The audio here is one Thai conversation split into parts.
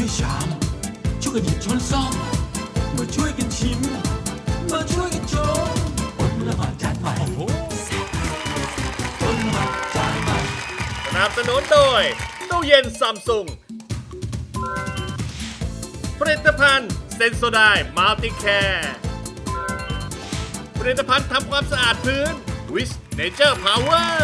วยชามช่วยกันหยิบช้อนซ่อมมาช่วยกันชิมมาช่วยกันชมอดละหมาดจานใหม่อดละหมาดจานใหม่สนับสนุนโดยตู้เย็นซัมซุงผลิตภัณฑ์เซนโซไดมัลติแคร์ผลิตภัณฑ์ทำความสะอาดพื้นวิสเนเจอร์พาวเวอร์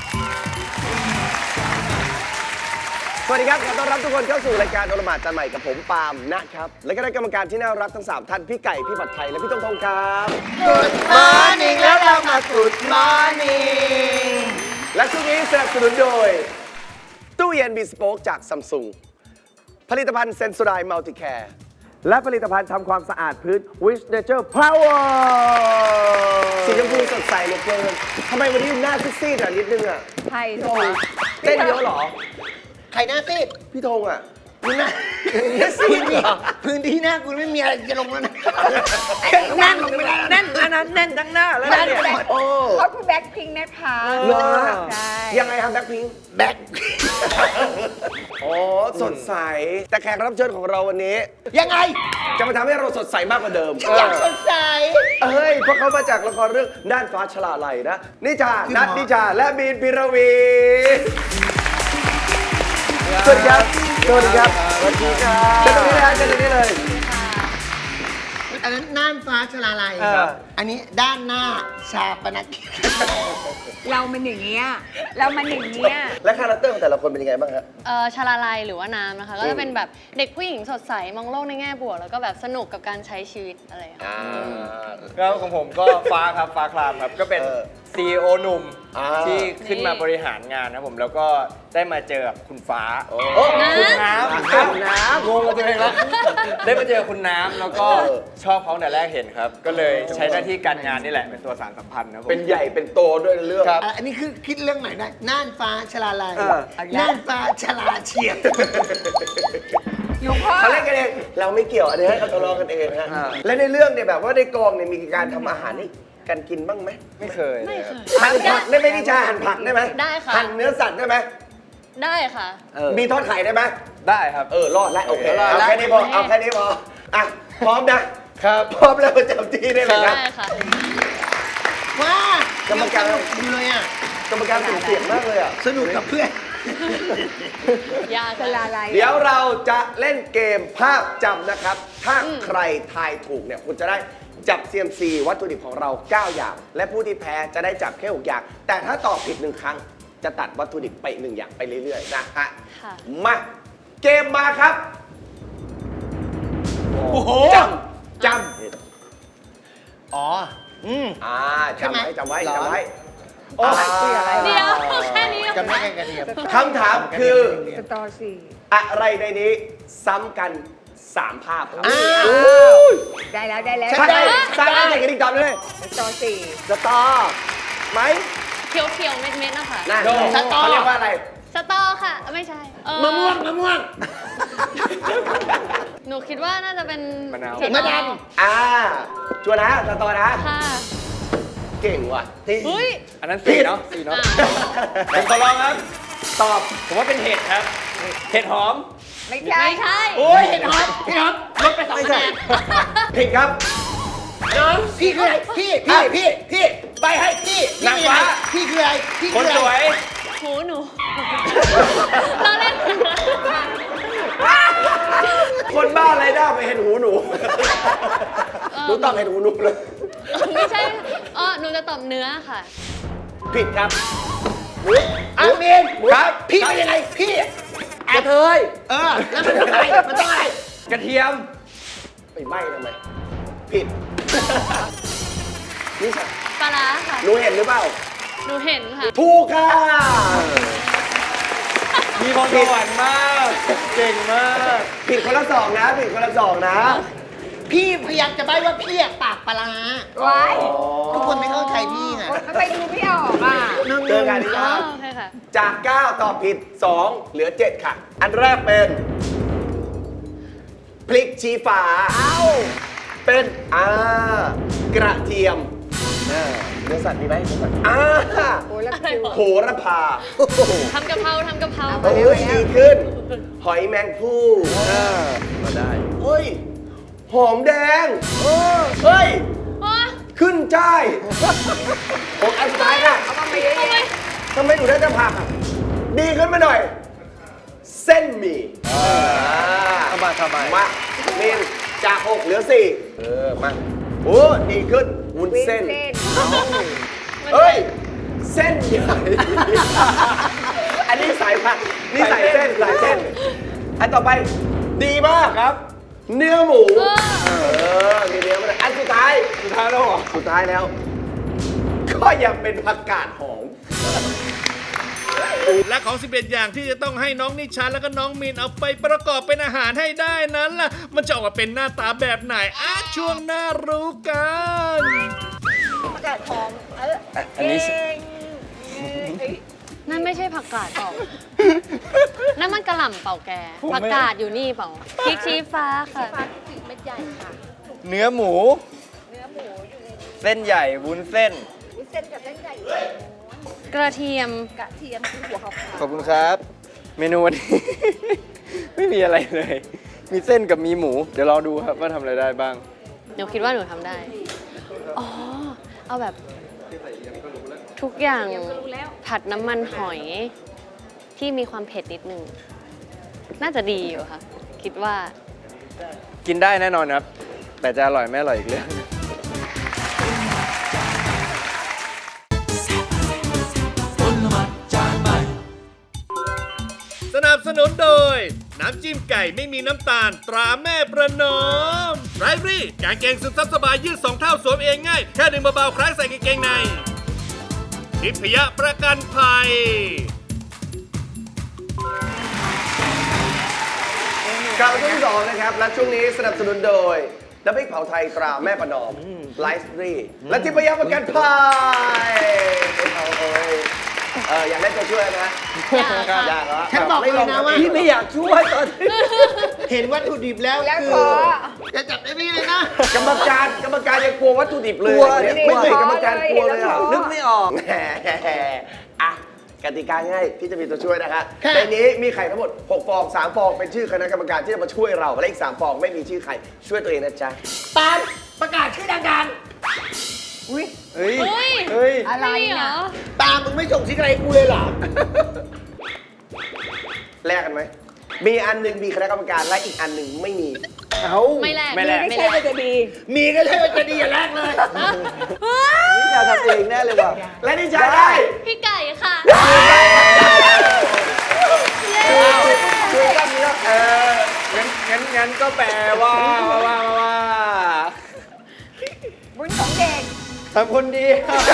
สวัสดีครับขอต้อนรับทุกคนเข้าสู่รายการโอละหมาดจานใหม่กับผมปาล์มนะครับ และก็ได้กรรมการที่น่ารักทั้ง 3 ท่านพี่ไก่พี่ผัดไทยและพี่ต้องทองครับ Good morning แล้วเรามา Good morning และช่วงนี้สนับสนุนโดยตู้เย็นบีสโป๊กจากซัมซุงผลิตภัณฑ์เซนโซไดมัลติแคร์และผลิตภัณฑ์ทำความสะอาดพื้น Wish Nature Power สีชมพูสดใสเหลือเกินทำไมวันนี้หน้าซีดๆอ่ะนิดนึงอ่ะไทยพี่ธงเต้นเยอะเหรอใครหน้าซีดพี่ธงอ่ะมึงหน้าซีดเหรอพื้นที่หน้ากูไม่มีอะไรจะลงแล้วนะแน่นลงไม่ได้แน่นอันนั้นแน่นทั้งหน้าแล้วเนี่ยโอ้เขาคือแบ็คพิงค์นะคะเหรอใช่ยังไงครับแบ็คพิงค์แบ็คอ๋อสดใส แต่แขกรับเชิญของเราวันนี้ยังไงจะมาทำให้เราสดใสมากกว่าเดิมอยากสดใสเฮ้ยเพราะเขามาจากละครเรื่องน่านฟ้าฉลาไหลนะนิชานัทนิชาและบีนพิรวีสวัสดีครับสวัสดีครับสวัสดีครับเจอตรงนี้นะเจอตรงนี้เลยอันนั้นน่านฟ้าชลาลัยอันนี้ด้านหน้าชาปนกิจเรามันอย่างเงี้ยเรามันอย่างเงี้ยและคาแรคเตอร์ของแต่ละคนเป็นยังไงบ้างครับชาลาลัยหรือว่าน้ำนะคะ ก็จะเป็นแบบเด็กผู้หญิงสดใส มองโลกในแง่บวก แล้วก็แบบสนุกกับการใช้ชีวิตอะไรอย่างเงี้ยแล้วของผมก็ฟ้าครับฟ้าครามครับก็เป็น CEO หนุ่มที่ขึ้นมาบริหารงานนะผมแล้วก็ได้มาเจอกับคุณฟ้าคุณน้ำงงกับตัวเองแล้วได้มาเจอคุณน้ำแล้วก็ชอบเขาแต่แรกเห็นครับ ก็เลยใช้หน้าที่การงานนี่แหละเป็นตัวสานสัมพันธ์นะผมเป็นใหญ่เป็นโตด้วยเรื่องอันนี้คือคิดเรื่องใหม่ได้น่านฟ้าชลาลัยน่านฟ้าชลาเฉียดอยู่พ่อเขาเล่นกันเองเราไม่เกี่ยวอันนี้ให้เขาทะเลาะกันเองฮะและในเรื่องเนี่ยแบบว่าในกองเนี่ยมีการทำอาหารให้กันกินบ้างไหมไม่เคยเลยครับหั่นผักได้ไหมนิชาหั่นผักได้ไหมได้ค่ะหั่นเนื้อสัตว์ได้ไหมได้ค่ะมีทอดไข่ได้ไหมได้ครับรอดแล้วโอเครอดแล้วเอาแค่นี้พอเอาแค่นี้พออ่ะพร้อมนะครับพร้อมแล้วประจำที่ได้ไหมครับได้ค่ะว้ากรรมการสนุดูเลยอ่ะกรรมการเสียงมากเลยอ่ะสนุกกับเพื่อนยากเวลาอะไรเดี๋ยวเราจะเล่นเกมภาพจำนะครับ ถ้าใครทายถูกเนี่ยคุณจะได้จับ CMC วัตถุดิบของเรา 9 อย่าง และผู้ที่แพ้จะได้จับแค่ 6 อย่าง แต่ถ้าตอบผิด 1 ครั้ง จะตัดวัตถุดิบไป 1 อย่างไปเรื่อยๆนะฮะค่ะมาเกมมาครับโอ้โหจอ๋อำจำไว้จำไว้จำไว้โอ้ยอะไรเดี๋ยวแค่นี้จำได้แค่กระเทียมคำถามคือสตอสี่อะไรในนี้ซ้ำกัน 3 ภาพครับได้แล้วได้แล้วใช่สร้างได้จากกระดิ่งตอบเลยสตอสี่สตอไหมเขียวๆ เม็ดๆ นะคะนะสตอเขาเรียกว่าอะไรสตอค่ะ ไม่ใช่มมะม่วงมะม่วงหนูคิดว่าน่าจะเป็นมะนาวสตอมะนาวชัวร์นะสตอนะค่ะเก่งว่ะเฮ้ยอันนั้นสีเนาะสีเนาะ ผมขอลองครับตอบผมว่าเป็นเห็ดครับ เห็ดหอมไม่ใช่ไม่ใช่โอ้ยเห็นฮอตพี่ฮอตลดไป2คะแนนผิดครับพี่คืออะไรพี่ไปให้พี่นางฟ้าพี่คืออะไรพี่คคืนออะไรสวยหูหนู เราเล่นคนบ้าอะไรได้ไปเห็นหูหนูหนูตอบเห็นหูหนูเลยไม่ใช่หนูจะตอบเนื้อค่ะผิดครับอามีนครับพี่เป็นยังไงพี่กระเทยแล้วมันต้องอะไรมันต้องอะไรกระเทียมไปใบ้ทำไม ผิด นี่ใช่ปลาร้าค่ะหนูเห็นหรือเปล่าหนูเห็นค่ะถูกค่ะมีพรสวรรค์มาก เก่งมากผิดคนละ 2 นะ ผิดคนละ 2 นะพี่พยายามจะใบ้ว่าพี่อะปากปลาร้าว้ายทุกคนไม่เข้าใจพี่ไงทำไมดูไม่ออกอ่ะเจอกันนี่อ๋อครับโอเคค่ะจาก 9 ตอบผิด 2 เหลือ 7 ค่ะ อันแรกเป็น พริกชี้ฟ้าเป็นกระเทียมเนื้อสัตว์มีไหมเนื้อสัตว์โอ้แล้วคิวโหระพาทำกะเพราทำกะเพราเฮ้ยดีขึ้น หอยแมงผู้มาได้เฮ้ย หอมแดงเฮ้ย ขึ้นจ้ายผมอันสุดท้ายนะเอามาเยอะๆทำไมหนูได้แต่ผักอ่ะ ดีขึ้นมาหน่อย เส้นหมี่ทำไมมาเมนจาก6เหลือ4มาโอ้ดีขึ้นวุ้นเส้น เฮ้ย เส้นใหญ่ อันนี้สายผักนี่สายเส้นอันต่อไปดีมากครับ เนื้อหมูมีเนื้อมาอันสุดท้ายแล้วเหรอสุดท้ายแล้ว ก็ยังเป็นผักกาดหอมและของ 11 อย่างที่จะต้องให้น้องนิชาและก็น้องมีนเอาไปประกอบเป็นอาหารให้ได้นั้นล่ะ มันจะออกมาเป็นหน้าตาแบบไหนช่วงหน้ารู้กันผักกาดหอมอันนี้นั่นไม่ใช่ผักกาดเปล่า นั่นมันกระหล่ำเปล่าแก ผักกาดอยู่นี่เปล่าพริกชี้ฟ้าค่ะเม็ดใหญ่ค่ะเนื้อหมู เส้นใหญ่วุ้นเส้นวุ้นเส้นกับเส้นใหญ่กระเทียมกระเทียมคือหัวขาวขอบคุณครับ เมนูวันนี้ ไม่มีอะไรเลย มีเส้นกับมีหมู เดี๋ยวรอดูครับว่าทำอะไรได้บ้างหนูคิดว่าหนูทำได้ อ๋อ เอาแบบทุกอย่างผัดน้ำมันหอยที่มีความเผ็ดนิดนึง น่าจะดีอยู่ค่ะ คิดว่ากินได้แน่นอนครับ แต่จะอร่อยไม่อร่อยอีกเรื่องสนับสนุนโดย น้ำจิ้มไก่ไม่มีน้ำตาลตราแม่ประนอมไรรี่กางเกงซึมซับสบายยืด2 เท่าสวมเองง่าย แค่ดึงเบาๆคล้ายใส่กางเกงในทิพยประกันภัยกลับมาช่วงที่สองนะครับ และช่วงนี้สนับสนุนโดยน้ำพริกเผาไทยตราแม่ประนอมไลฟ์รีและทิพยประกันภัยอยากได้ตัวช่วยนะอยากค่ะอยากเหรอฉันบอกเลยนะว่าพี่ไม่อยากช่วยตอนนี้เห็นวัตถุดิบแล้วแล้วคือพอจะจับได้พี่เลยนะกรรมการยังกลัววัตถุดิบเลยกลัวเนี่ยนี่ไม่เคยกรรมการกลัวเลยอ่ะนึกไม่ออกแหมอ่ะกติกาง่ายพี่จะมีตัวช่วยนะคะค่ะในนี้มีไข่ทั้งหมด6 ฟอง3 ฟองเป็นชื่อคณะกรรมการที่จะมาช่วยเราและอีก3 ฟองไม่มีชื่อใครช่วยตัวเองนะจ๊ะปานประกาศชื่อดังอุ้ยเฮ้ยเฮ้ยเฮ้ยอะไรเหรนะอๆตามมึงไม่ส่งซิกอะไรให้กูเลยเหรอแลกกันไหมมีอันหนึ่งมีคณะกรรมการและอีกอันหนึ่งไม่มีเอาไม่แลกไม่แลกไม่ใช่ว่าจะดีมีก็ใช่ว่าจะดีอย่าแรกเลยนี่จะทำเองแน่เลยว่ะและนี่จะได้พี่ไก่ค่ะช่วยกันนี้แล้วงั้นก็แปลว่าบุญของเด็กทำคนดี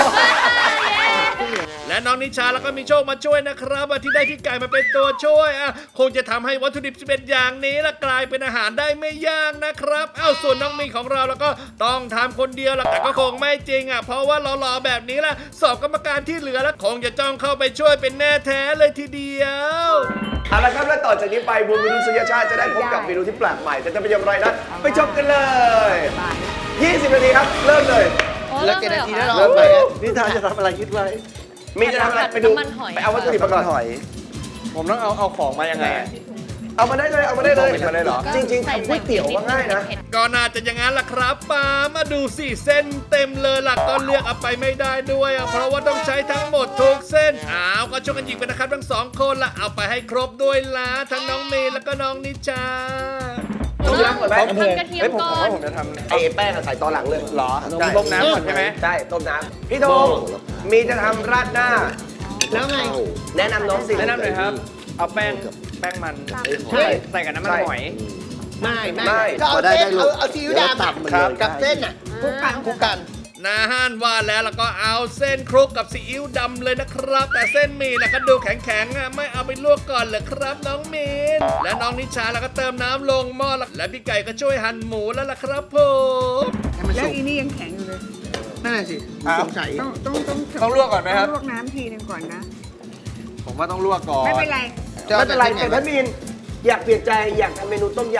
และน้องนิชาแล้วก็มีโชคมาช่วยนะครับที่ได้พี่ไก่มาเป็นตัวช่วยคงจะทำให้วัตถุดิบ11อย่างนี้ละกลายเป็นอาหารได้ไม่ยากนะครับส่วนน้องมีนของเราแล้วก็ต้องทำคนเดียวละแต่ก็คงไม่จริงเพราะว่าหล่อๆแบบนี้ละสอบกรรมการที่เหลือแล้วคงจะจ้องเข้าไปช่วยเป็นแน่แท้เลยทีเดียวเอาละครับและต่อจากนี้ไปบูมมนุษยชาติจะได้พบกับเมนูที่แปลกใหม่แต่จะเป็นอย่างไรนั้นไปชมกันเลย 20 นาทีครับเริ่มเลยแล้วกี่นาทีแล้วเริ่มเลยนิทานจะทำอะไรคิดไว้มีจะทำอะไรไปดูน้ำมันหอยไปเอาวัตถุดิบมาก่อนผมต้องเอาของมายังไงเอามาได้เลยเอามาได้เลยเอามาได้เหรอจริงๆทำก๋วยเตี๋ยวว่าง่ายนะก็น่าจะอย่างนั้นล่ะครับป้ามาดูสิเส้นเต็มเลยล่ะก็เลือกเอาไปไม่ได้ด้วยเพราะว่าต้องใช้ทั้งหมดทุกเส้นก็ช่วยกันหยิบกันนะครับทั้ง2 คนละเอาไปให้ครบด้วยละทั้งน้องเมย์แล้วก็น้องนิชาต้มยำก่อนไหมทำกระเทียมผมก่อว่าน ผมจะทำไอ้แป้งอะใส่ตอนหลังเลยหรอใช่ต้มน้ำก่อนใช่ไหมใช่ต้มน้ำพี่ธงมีจะทำราดหน้าแล้วไงแนะนำน้องสิแนะนำหน่อยครับ เอาแป้งมันใช่ใส่กับน้ำมันหอยไม่ก็เอาเส้นเอาซีอิ๊วดำครับกับเส้นอ่ะคลุกกันนาห้านว่าแล้วก็เอาเส้นคลุกกับซีอิ๊วดำเลยนะครับ แต่เส้นหมี่ก็ดูแข็งๆไม่เอาไปลวกก่อนเหรอครับน้องมีนและน้องนิชาแล้วก็เติมน้ำลงหม้อและพี่ไก่ก็ช่วยหั่นหมูแล้วล่ะครับผมแล้วอีนี่ยังแข็งอยู่เลยนั่นแหละสิสงสัยต้องลวกก่อนไหมครับต้องลวกน้ำทีนึงก่อนนะผมว่าต้องลวกก่อนไม่เป็นไรไม่เป็นไรแต่ถ้ามีนอยากเปลี่ยนใจอยากทำเมนูต้มยำ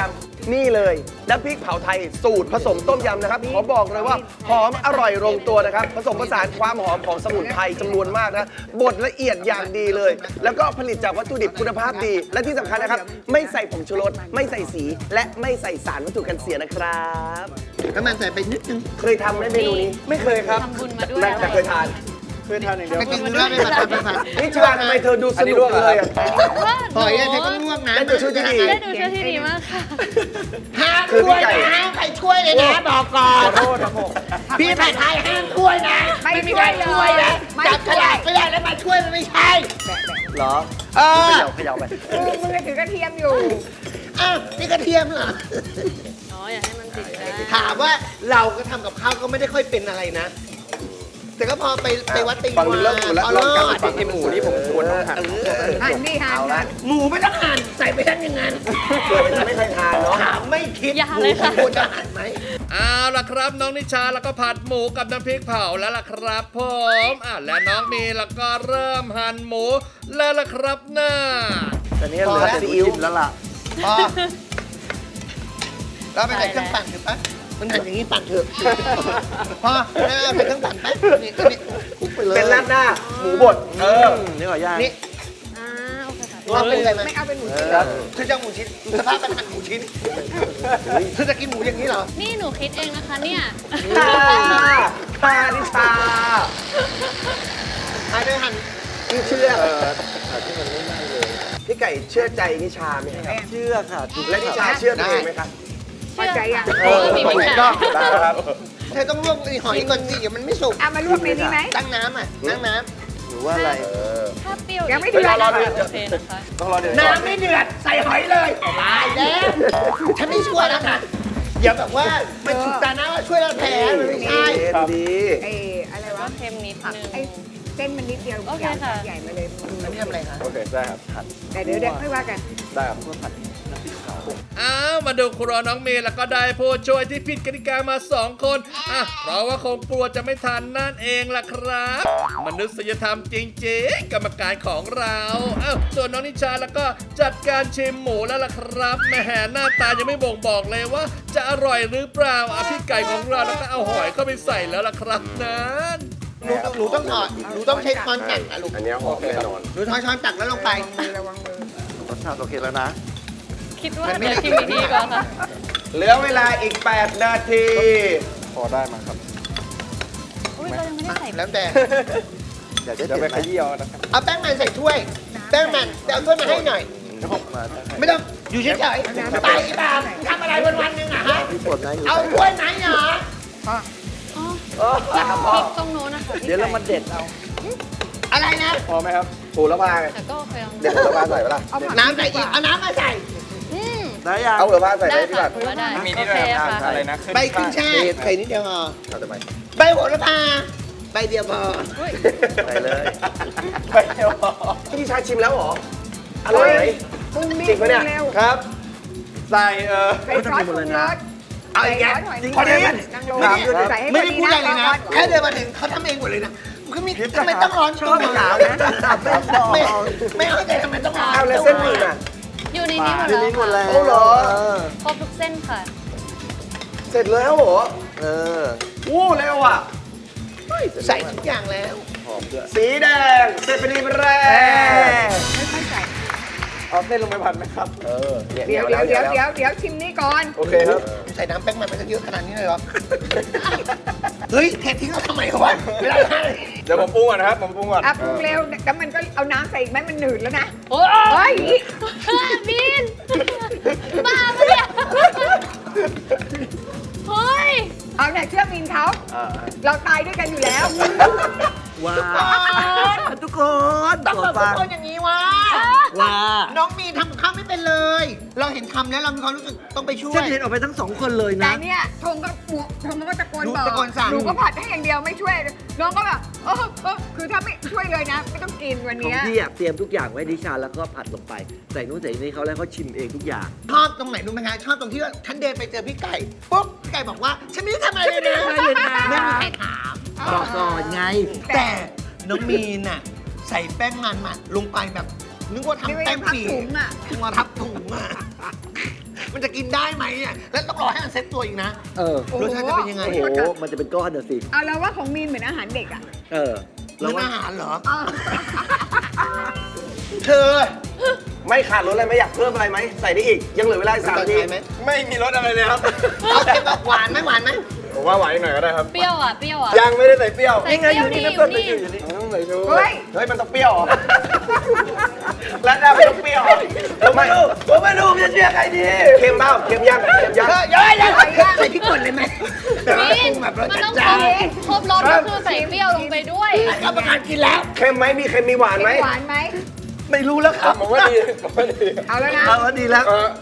นี่เลยน้ำพริกเผาไทยสูตรผสมต้มยำนะครับขอบอกเลยว่าหอมอร่อยลงตัวนะครับผสมผสานความหอมของสมุนไพรจำนวนมากนะบดละเอียดอย่างดีเลย แล้วก็ผลิตจากวัตถุดิบคุณภาพดี และที่สำคัญนะครับไม่ใส่ผงชูรสไม่ใส่สี และไม่ใส่สารวัตถุกันเสียนะครับน้ำมันใส่ไปนิดนึงเคยทำไหมเมนูนี้ไม่เคยครับทำบุญมาด้วยแต่เคยทานไปกินเนื้อไม่ผัดไม่ผัดนิชาทำไมเธอดูสนุกเลยอ่ะหอยอะเธอก็ง่วงนะได้ตัวช่วยที่ดีได้ดูช่วยที่ดีมากค่ะห้ามช่วยนะใครช่วยเลยนะบอกก่อนพี่ผัดไทยห้ามช่วยนะไม่มีใครช่วยนะไม่จับฉช่วยลากไม่ได้แล้วมาช่วยมันไม่ใช่เหรอเออเขย่าไปมือถือกระเทียมอยู่อ้าวนี่กระเทียมเหรออ๋อ อย่าให้มันติดกันถามว่าเราก็ทำกับข้าวก็ไม่ได้ค่อยเป็นอะไรนะ แต่ก็พอไปวัดไปฝั่งนึงเริ่มหมดแล้วพอลรองอกันดฝั่งที่หมูนี่ผมควรต้องหั่นหันนี่หันหันหมูไม่ต้องหั่นใส่ไปทั้งอย่างนั้นเกิดมันไม่เคยทานเนาะถามไม่คิดอย่าหมูเลยค่ะควรจะหั่นไหมเอาล่ะครับน้องนิชาแล้วก็ผัดหมูกับน้ำพริกเผาแล้วล่ะครับผมและน้องมีแล้วก็เริ่มหั่นหมูแล้วล่ะครับน่าแต่นี้เหลือซีอิ๊วแล้วล่ะพอเราไปใส่เครื่องปั่นเถอะปะมันหั่นอย่างนี้ปั่นเถอะพอแล้วใส่เครื่องปั่นปะนี่คลุกไปเลยเป็นราดหน้าหมูบดนี่ขอย่างนี่อ่า โอเคค่ะว่าเป็นอะไรไหมไม่เอาเป็นหมูชิ้นเธอจะเอาหมูชิ้นสภาพมันหั่นหมูชิ้นเธอจะกินหมูอย่างนี้เหรอนี่หนูคิดเองนะคะเนี่ยค่ะนิชาหั่นด้วยหั่นพี่เชื่อพี่ไก่เชื่อใจนิชาไหมครับเชื่อค่ะถูกและนิชาเชื่อตัวเองไหมครับพอใจยังมีปัญหาได้ครับเธอต้องลวกไอ้หอยก่อนสิเดี๋ยวมันไม่สุกเอามาลวกในนี้ไหมตั้งน้ำอ่ะตั้งน้หรือว่าอะไรถ้าเปรี้ยวยังไม่เดือดโอเคนะคะต้องรอเดือดำน้ำไม่เดือดใส่หอยเลยตายแล้วฉันไม่ช่วยแล้วนะอย่าแบบว่ามันสุกตานะว่าช่วยเราแพ้มันไม่ใช่เย็นดีเออะไรวะก็เค็มนิดนึงไอ้เส้นมันนิดเดียวโอเคค่ะใหญ่มาเลยอันนี้ทำอะไรคะโอเคได้ครับแต่เดี๋ยวค่อยว่ากันได้ครับอ้าวมาดูครัวน้องเมย์แล้วก็ได้ผู้ช่วยที่ผิดกติกามา 2 คนเพราะว่าคงกลัวจะไม่ทันนั่นเองล่ะครับ มนุษยธรรมจริงๆกรรมการของเราส่วนน้องนิชาแล้วก็จัดการชิมหมูแล้วล่ะครับแหมหน้าตายังไม่บ่งบอกเลยว่า จะอร่อยหรือเปล่าพี่ไก่ของเราแล้วก็เอาหอยเข้าไปใส่แล้วล่ะครับนั้นหนูต้องถอดหนูต้องใช้ช้อนตักนะลูกอันนี้หอมแน่นอนหนูช้อนตักแล้วลงไประวังมือรสชาติโอเคแล้วนะคิดว่าเดี๋ยวชิมอีกทีก่อนค่ะเหลือเวลาอีก 8 นาทีพอได้มาครับอุ้ยเรายังไม่ได้ใส่แล้วแต่อยากจะไปขยี้เอานะครับเอาแป้งมันใส่ถ้วย แป้งมันแต่เอาถ้วยมาให้หน่อยมาไม่ต้องอยู่เฉยๆไปอีบ้าทำอะไรวันๆหนึงอะฮะพี่ปวดไหมอยู่เอาถ้วยไหนเหรอพริกตรงโน้นนะคะพี่เดี๋ยวเราไก่มาเด็ดเอาอะไรนะพอไหมครับโหระพาไงแต่ก็โอเคแล้วเด็ดนะโหระพาใส่ปะล่ะเอาผักน้ำใส่อีกเอาน้ำมาใส่อืมได้ยังเอาโหระพาใส่ไหมได้พี่ค่ะบัตรถือว่าได้มีโอนี่ด้เควยนะครับค่ะอะไรนะใบขึ้นช่ายใส่นิดเดียวพอเอาทำไมใบโหระพาใบเดียวพอใส่เลยพี่นิชาชิมแล้วเหรออร่อยไหมคุณมีจริงปะเนี่ยเร็วครับ ใส่ใส่ซอสปรุงรสเอาอีกแล้วพอดีนางโรใส่ให้ไม่พอได้ดีพูดอะไรเลยนะก่อแค่เดินมาถึงเขาทำเองหมดเลยนะคือมีทำไมต้องร้อนตัวหนาวนะไม่เข้าใจทำไมต้องร้อนเอาแล้วเส้นหมี่อ่ะอยู่ในนี้หมดอยู่แล้วนี่หมดแล้วโอ้เหรอครบทุกเส้นค่ะเสร็จแล้วเหรอเออโอ้เร็วอ่ะใส่ทุกอย่างแล้วสีแดงเสร็จเป็นทีแรกค่อยๆใส่เอาเส้นลงไปผัดไหมครับเดี๋ยวชิมนี่ก่อนโอเคครับใส่น้ำแป้งมันไปตั้งเยอะขนาดนี้เลยเหรอ เฮ้ยเททิ้งเราทำไมวะเวลาทานเลยเดี๋ยวผมปรุงก่อนนะครับ ผมปรุงก่อนอ่ะปรุงเร็วแล้วมันก็เอาน้ำใส่อีกไหมมันหนืดแล้วนะโอ้เฮ้ยบินบ้าปะเนี่ยเฮ้ยเอาเนี่ยเชื่อมินเขาเราตายด้วยกันอยู่แล้วว้าวทุกคนต้องโปรแบดบฟังคนอย่างนี้วะว้าน้องมีนทำกับข้าวไม่เป็นเลย เราเห็นทำแล้วเรามีความรู้สึกต้องไปช่วยฉันเห็นออกไปทั้งสองคนเลยแต่นะเนี่ยธงก็ตะโกนบอกตะโกนสั่งหนูก็ผัดให้อย่างเดียวไม่ช่วย น้องก็แบบคือถ้าไม่ช่วยเลยนะ ไม่ต้องกินวันของเนี้ยพี่อะเตรียมทุกอย่างไว้ดิชาแล้วก็ผัดลงไป ใส่นู้นใส่นี่เขาแล้วเขาชิมเองทุกอย่างชอบตรงไหนรู้ไหมคะชอบตรงที่ว่าฉันเดินไปเจอพี่ไก่ปุ๊บพี่ไก่บอกว่า ฉันไม่ได้ทำอะไรเลยนะไม่ได้ทำไม่มีใครถามบอกก่อนไงแต่น้องมีนน่ะใส่แป้งมันลงไปแบบนึกว่าทำแป้งปีนึกว่าทับถุงอะนึกว่าทับถุงอ่ะมันจะกินได้ไหมเนี่ยแล้วต้องรอให้มันเซ็ตตัวอีกนะเออรสชาติจะเป็นยังไงโอ้โห มันจะเป็นก้อนเดี๋ยวสิเอาแล้วว่าของมีนเหมือนอาหารเด็กอ่ะเออร้านอาหารเหรอเธอ ไม่ขาดรสอะไรไหมอยากเพิ่มอะไรไหมใส่ได้อีก ยังเหลือเวลาอีก3 นาทีไหมไม่มีรสอะไรเลยครับเอาเค็มแบบหวานไหมหวานไหมผมว่าหวานอีกหน่อยก็ได้ครับเปรี้ยวอ่ะ เปรี้ยวอ่ะยังไม่ได้ใส่เปรี้ยวใส่เปรี้ยวนี่อยู่นี่ต้องใส่ชูเฮ้ยเฮ้ย มันต้องเปรี้ยวเหรอ แล้วหน้าไม่ต้องเปรี้ยวเหรอผมไม่รู้ผมจะเชื่อใครดีเค็มเปล่าเค็มยังเค็มยังเยอะเลยใส่พริกป่นเลยไหมมีนแบบรสมันจัต้ดองจ้านครบรสก็คือใส่เปรี้ยวลงไปด้วยกรรมการกินแล้วเค็มไหมมีเค็มมีหวานไหมหวานไหมไม่รู้แล้วครับผมว่าดีผมว่าดีเอาแล้วนะเอาแล้วดีแล้ว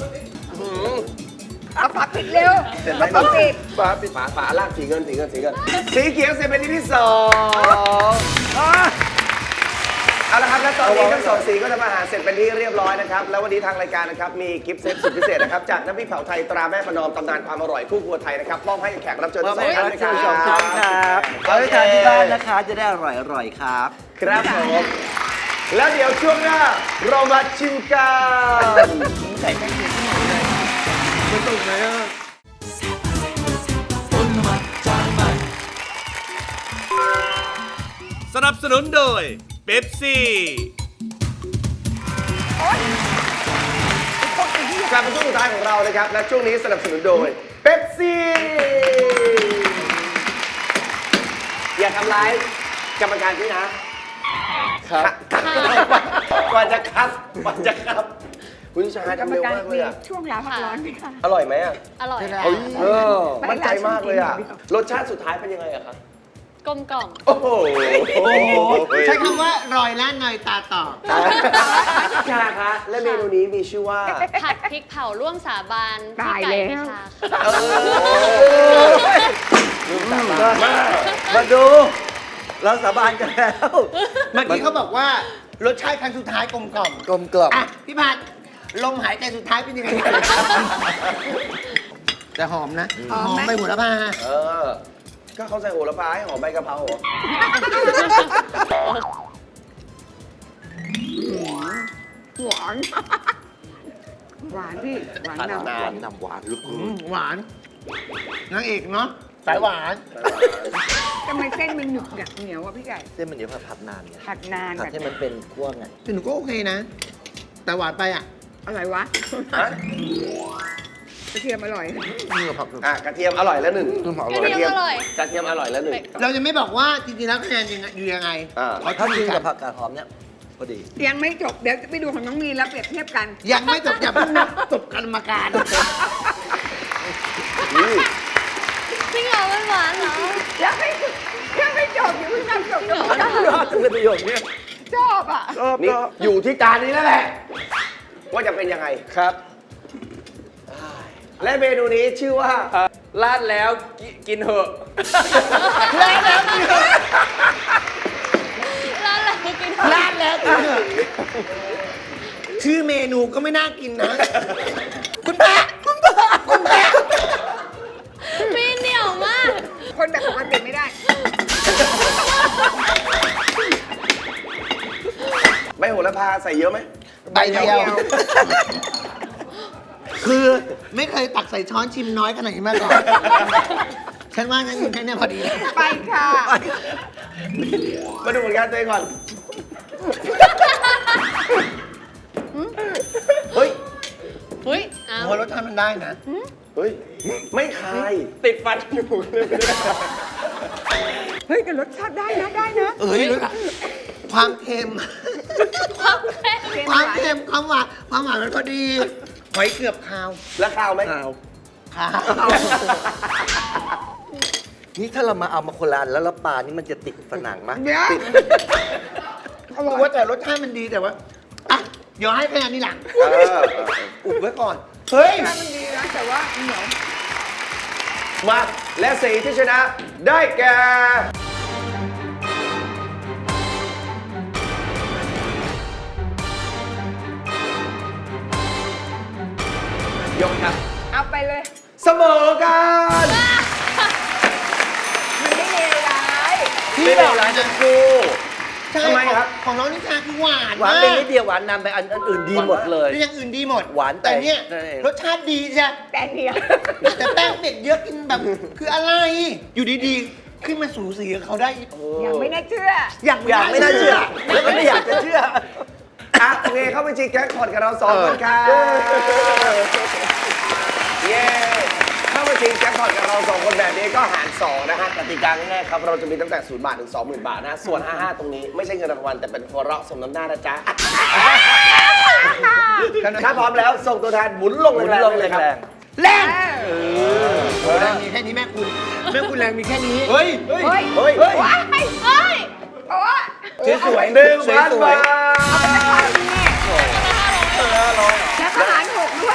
เอาฝาปิดเร็วเสร็จไหมเอาฝาปิดฝาปิดฝาล่างสีเงินสีเขียวเสร็จเป็นที่2เอาละครับและตอนนี้ทั้งสองสีก็ทำอาหารเสร็จเป็นที่เรียบร้อยนะครับแล้ววันนี้ทางรายการนะครับมีกิฟต์เซตสุดพิเศษนะครับจากน้ำพริกเผาไทยตราแม่ประนอมตำนานความอร่อยคู่ครัวไทยนะครับมอบให้แขกรับเชิญทั้งสองท่านนะคสองรัท่านครับบเอาไปทานที่บ้านนะคะ จะได้อร่อยๆครับครับผมแล้วเดี๋ยวช่วงหน้าเรามาชิมกันต้นน้ำมันจานใหม่สนับสนุนโดยเป๊ปซี่กลับมาช่วงสุดท้ายของเรานะครับและช่วงนี้สนับสนุนโดยเป๊ปซี่อย่าทำร้ายกรรมการพี่นะครับก่อนจะครับคุณชายกรรทำมเร็วการมากเลมียอะช่วงลาพักร้อนไหมคะอร่อยไหมอะอร่อยเออมั่นใจมากเลยอะรสชาติสุดท้ายเป็นยังไงอะครับกลมกล่อมโอ้โหใช้คำว่ารอยล้านเนยตาต่อชาคะและเมนูนี้มีชื่อว่าผัดพริกเผาร่วมสาบานพี่ตายไก่แล้วพิชาค่ะมาดู เราสาบานกันแล้วเมื่อกี้เขาบอกว่ารสชาติครั้งสุดท้ายกลมกล่อมกลมกล่อมอ่ะพี่พัดลมหายใจสุดท้ายเป็นยังไงแต่หอมนะหอมไหมใบโหระพาเออ ก็เขาใส่โหระพาให้หอมใบกะเพราเหรอหวาน หวานพี่ หวานนำหวานนำหวานลูกหวานนางเอกเนาะสายหวานทำไมเส้นมันหนึบเหนียวอ่ะพี่ไก่เส้นมันเดี๋ยวผัดนานไงผัดนานผัดแบบให้มันเป็นคั่วไงแต่หนูก็โอเคนะ แต่หวานไปอ่ะอะไรวะฮะกระเทียมอร่อยนี่ก็ผักกระเทียมอร่อยแล้วหนึ่งกระเทียมอร่อยกระเทียมอร่อยแล้วหนึ่งเราจะไม่บอกว่าจริงๆแล้วคะแนนยังไงอยู่ยังไงอ่าถ้ากินกับผักกาดหอมเนี่ยพอดียังไม่จบ เดี๋ยวจะไปดูของน้องมีนแล้วเปรียบเทียบกันยังไม่จบอย่าเพิ่งนับจบกรรมการจริงเหรอมันหวานเหรอยังไม่จบอย่าเพิ่งทำจบกับพี่ไก่ชอบจังเลยประโยคนี้ชอบอ่ะชอบนี่ชอบอยู่ที่จานนี้แล้วแหละ ว่าจะเป็นยังไงครับและเมนูนี้ชื่อว่าลาดแล้วกินเหอะร้านแล้วกินลาดแล้วกินเถอะชื่อเมนูก็ไม่น่ากินนะ คุณแม่มีเหนียวมากคนแบบปกติไม่ได้ใบโหระพาใส่เยอะไหมใบเดียว คือไม่เคยตักใส่ช้อนชิมน้อยขนาดนี้มาก่อน ฉันว่างั้นกินแค่เนี้ยพอดีไปค่ะมาดูผลงานตัวเองก่อน เฮ้ยเฮ้ยอ้าวโอ้รสชาติมันได้นะเฮ้ย ไม่คายติดฟันอยู่เลยเฮ้ยแต่รสชาติได้นะได้นะเอ้ยความเค็มความแค่ความเค็มความหวานมันพอดี หอยเกือบคาวแล้วข้าวไหมอ้าวคาวนี่ถ้าเรามาเอามาโคนละอันแล้วปลานี่มันจะติดผนังมั้ยเดี๋ยวเขาบอกว่าแต่รสชาติมันดีแต่ว่าอ่ะเดี๋ยวให้คะแนนนี่หลังอุบไว้ก่อน เฮ้ยรสชาติมันดีนะแต่ว่าเหนียวมาและสีที่ชนะได้แก่ยกครับเอาไปเลยเสมอกันมันไม่เลวร้ายไม่เลวร้ายทั้งคู่ใช่ทำไมครับของน้องนิชาคือหวานหวานเป็นนิดเดียวหวานนำไปอันอื่นดีหมดเลยแล้วอย่างอื่นดีหมดหวานแต่แต่เนี่ยนั่นเองรสชาติดีจ้ะแต่เดียวแต่แป้งเด็กเยอะกินแบบ คืออะไร อยู่ดีๆ ขึ้นมาสูสีกับเขาได้ยังไม่น่าเชื่ออยากไม่น่าเชื่อ แล้วก็ไม่อยากจะเชื่ออ่ะโอเคเข้าไปจีแจ็คพอตกับเราสองคนค่ะเย้เข้ามาชิงแจ็คพอตกับเราสองคนแบบนี้ก็หาร2นะฮะกติกาง่ายๆครับเราจะมีตั้งแต่0 บาทถึง 20,000 บาทนะส่วน 55 ตรงนี้ไม่ใช่เงินรางวัลแต่เป็นหัวเราะสมน้ำหน้านะจ๊ะถ้าพร้อมแล้วส่งตัวแทนหมุนลงแรงๆเลยครับแรงแรงมีแค่นี้แม่คุณแรงมีแค่นี้เฮ้ยเฮ้ยเฮ้ยว้ายเฮ้ยโอ้ยสวย 1,000 บาทแล้วทหารหกด้วย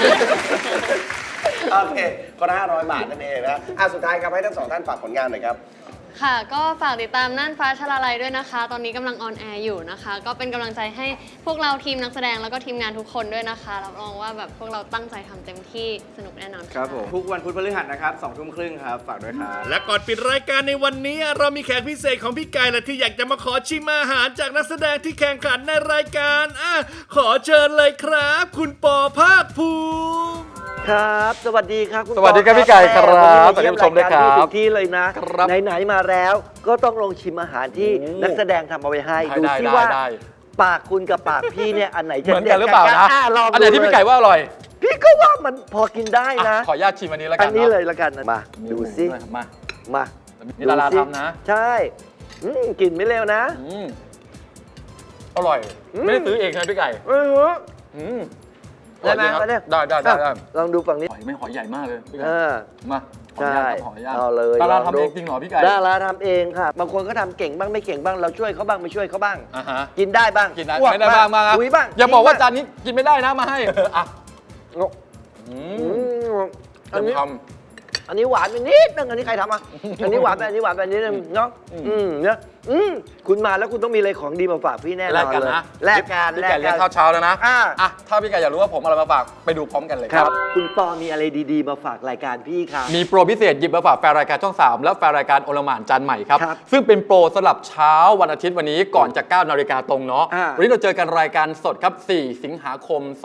โอเคคนละ500 บาทนั่นเองนะสุดท้ายครับให้ทั้งสองท่านฝากผลงานหน่อยครับค่ะก็ฝากติดตามน่านฟ้าชลาลัยด้วยนะคะ ตอนนี้กำลังออนแอร์อยู่นะคะ ก็เป็นกำลังใจให้พวกเราทีมนักแสดงแล้วก็ทีมงานทุกคนด้วยนะคะรับรองว่าแบบพวกเราตั้งใจทำเต็มที่สนุกแน่นอนค่ะครับผมทุกวันพุธพฤหัสนะครับ20:30ครับฝากด้วยครับและก่อนปิดรายการในวันนี้เรามีแขกพิเศษของพี่ไก่และที่อยากจะมาขอชิมอาหารจากนักแสดงที่แข่งขันในรายการขอเชิญเลยครับ คุณปอภาคภูมิครับ สวัสดีครับคุณสวัสดีครับพี่ไก่ครับสวัสดีสวัสดีผู้ชมด้วยครับถึงที่เลยนะครับ ไหนๆมาแล้วก็ต้องลองชิมอาหารที่นักแสดงทำเอาไว้ให้ดูได้ซิได้ว่าได้ปากคุณกับปากพี่เนี่ยอันไหนจะเหมือนกันหรือเปล่านะลองอันไหนที่พี่ไก่ว่าอร่อยพี่ก็ว่ามันพอกินได้นะขออนุญาตชิมอันนี้แล้วกัอันนนี้เนาะเลยละกันมาดูซิมามานี่ดาราดูสิทำนะใช่กลิ่นไม่เร็วนะอืมอร่อย ไม่ได้ซื้อเองใช่ไหมพี่ไก่อือหืออืมได้ไหมอร่อยได้ครับได้ลองดูฝั่งนี้หอยไม่หอยใหญ่มากเลยพี่ไก่เออมาขออนุใช่ญาตครับขออนุญาตเอาเลยดาราลองทำดูเองจริงเหรอพี่ไก่ดาราทำเองค่ะ บางคนก็ทำเก่งบ้างไม่เก่งบ้างเราช่วยเขาบ้างไม่ช่วยเขาบ้างอ่ะฮะกินได้บ้างกินได้อ้วไม่ได้บ้างมาครับคุยบ้างอย่าบอกว่ากิจานนี้กินไม่ได้นะมาให้อ่ะบ้างอือืมมอันนี้ทอันนี้หวานไปนิดนึงอันนี้ใครทำอ่ะ อันนี้หวานไปอันนี้หวานไปนิดนึงเนาะเนี่ยคุณมาแล้วคุณต้องมีอะไรของดีมาฝากพี่แน่นแลอก นกันเลยนะแลกกันพี่ไก่เลี้ยงข้าวเช้าแล้วนะอ่ะอ่ะถ้าพี่ไก่อยากรู้ว่าผมเอาอะไรมาฝากไปดูพร้อมกันเลยคครัรับบ คุณปอมีอะไรดีๆ มาฝากรายการพี่ครับมีโปรพิเศษหยิบมาฝากแฟนรายการช่อง 3 และแฟนรายการโอลหม่านจานใหม่ครับครับซึ่งเป็นโปรสำหรับเช้าวันอาทิตย์วันนี้ก่อนจะ 9 นาฬิกาตรงเนาะอ่าวันนี้เราเจอกันรายการสดครับ 4 สิงหาคมค่ะ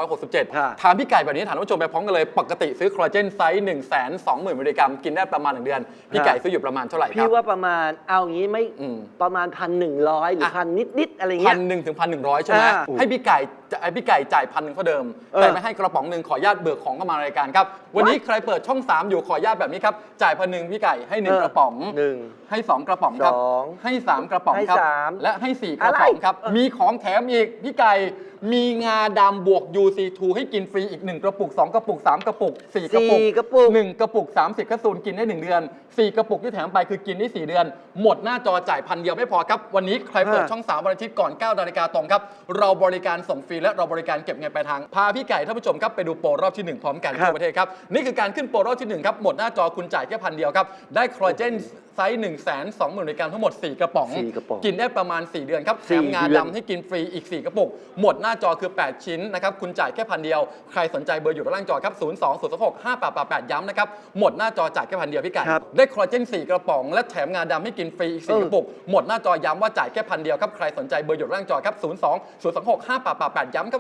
2567 ถามพี่ไก่แบบนี้ถามท่านผู้ชมไปพร้อมกันเลย ปกติซื้อคอลลาเจนไซส์ 120,000 มิลลิกรัมกินได้ประมาณ 1 เดือน พี่ไก่ซื้ออยู่ประมาณเท่าไหร่ครัพี่บว่าประมาณเอางี้ไม่อืมประมาณ 1,100 หรืออ่ะพันนิดๆอะไรพัเงี้นยหนึ่งถึง1,100 ใช่ไหมอ่าให้พี่ไก่จ่าย1,000เท่าเดิม แต่ไม่ให้กระป๋องหนึ่งขออนุญาตเบิกของเข้ามารายการครับ วันนี้ใครเปิดช่อง 3 อยู่ขออนุญาตแบบนี้ครับจ่าย1,000พี่ไก่ให้ 1 กระป๋องหนึ่งให้ 2 กระป๋องครับสองให้ 3 กระป๋องให้ครับสามและให้ 4 กระป๋องครับ มีของแถมอีก พี่ไก่ มีงาดำบวก UC2 ให้กินฟรีอีก 1 กระปุก 2 กระปุก 3 กระปุก 4 กระปุก 4 กระปุก 1 กระปุก 30แคปซูลกินได้ 1 เดือน 4 กระปุกที่แถมไปคือกินได้ 4 เดือน หมดหน้าจอจ่าย1,000 เดียวไม่พอครับ วันนี้ใครเปิดช่อง 3 วันอาทิตย์ก่อน 9 นาฬิกาตรงครับ เราบริการส่งฟรีและเราบริการเก็บเงินปลายทาง พาพี่ไก่ท่านผู้ชมครับไปดูโปรรอบที่ 1 พร้อมกันครับทั่วประเทศครับ นี่คือการขึ้นโปรรอบที่ 1 ครับ หมดหน้าจอคุณจ่ายแค่1,000 เดียวครับ ได้คอลลาเจนไซส์ 120,000 มิลลิกรัมทั้งหมด 4 กระป๋อง 4 กระป๋องกินได้ประมาณ 4 เดือนครับ แถมงา 4 เดือนดำให้กินฟรีอีก 4 กระปุก หมดหน้าจอคือ 8 ชิ้นนะครับ คุณจ่ายแค่1,000 เดียว ใครสนใจเบอร์อยู่ด้านล่างจอครับ 02-026-5888 ย้ำนะครับ หมดหน้าจอจ่ายแค่1,000 เดียวพี่ไก่ครับได้คอลลาเจน 4 กระป๋อง และแถมงาดำให้กินฟรีอีก 4 กระปุก หมดหน้าจอย้ำว่าจ่ายแค่1,000 เดียวครับ ใครสนใจเบอร์อยู่ด้านล่างจอครับ 02-026-5888 ย้ำครับ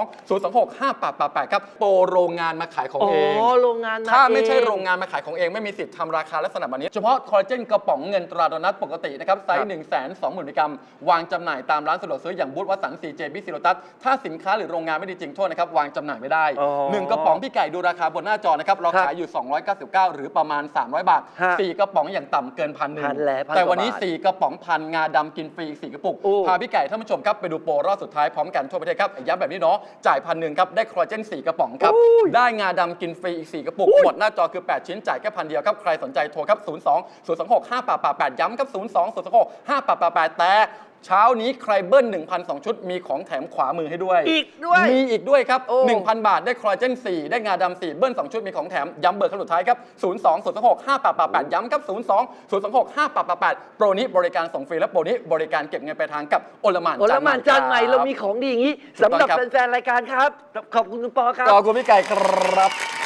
02-026-5888 ครับ โปรโรงงานมาขายของอ๋อเองโรงงานถ้าไม่ใช่เองโรงงานมาขายของเองไม่มีสิทธิ์ทำราคาลักษณะแบบนี้ เฉพาะคอลลาเจนกระป๋องเงินตราโดนัทปกตินะครับไซส์ 120,000 มิลลิกรัม วางจำหน่ายตามร้านสะดวกซื้ออย่างบูธวัตสัน CJ บิ๊กซีโรตัสถ้าสินค้าหรือโรงงานไม่ดีจริงโทษนะครับ วางจำหน่ายไม่ได้อ๋อ 1 กระป๋องพี่ไก่ดูราคาบนหน้าจอนะครับ เราขายอยู่ 299 หรือประมาณ 300 บาทฮะ 4 กระป๋องอย่างต่ำเกิน1,000 พันแล้วพันแต่วันนี้กว่าบาท 4 กระป๋องพันงาดำกินฟรีอีก 4 กระปุกโอ้พาพี่ไก่ท่านผู้ชมครับไปดูโปรรอบสุดท้ายพร้อมกันทั่วประเทศครับย้ำแบบนี้เนาะจ่าย1,000ครับได้คอลลาเจน 4 กระป๋องครับได้งาดำกินฟรีอีก 4 กระปุกหมดหน้าจอคือ 8 ชิ้นจ่ายแค่1,000 เดียวครับใครสนใจโทรครับ 02-026-5888 ย้ำครับ 02-026-5888 แต่เช้านี้ใครเบิ้ล 1,002 ชุดมีของแถมขวามือให้ด้วยอีกด้วยมีอีกด้วยครับโอ้ 1,000 บาทได้คอลลาเจน 4 ได้งาดำ 4 เบิ้ล 2 ชุดมีของแถม ย้ำเบอร์ครั้งสุดท้ายครับ 02-026-5888 ย้ำครับ 02-026-5888 โปรนี้บริการส่งฟรีและโปรนี้บริการเก็บเงินปลายทางกับโอลหม่านโอละหมานจานใหม่เรามีคบของดีอย่างนี้สำหรับถูกต้องครับแฟนๆรายการครับ ขอบคุณคุณปอครับขอบคุณพี่ไก่ครับ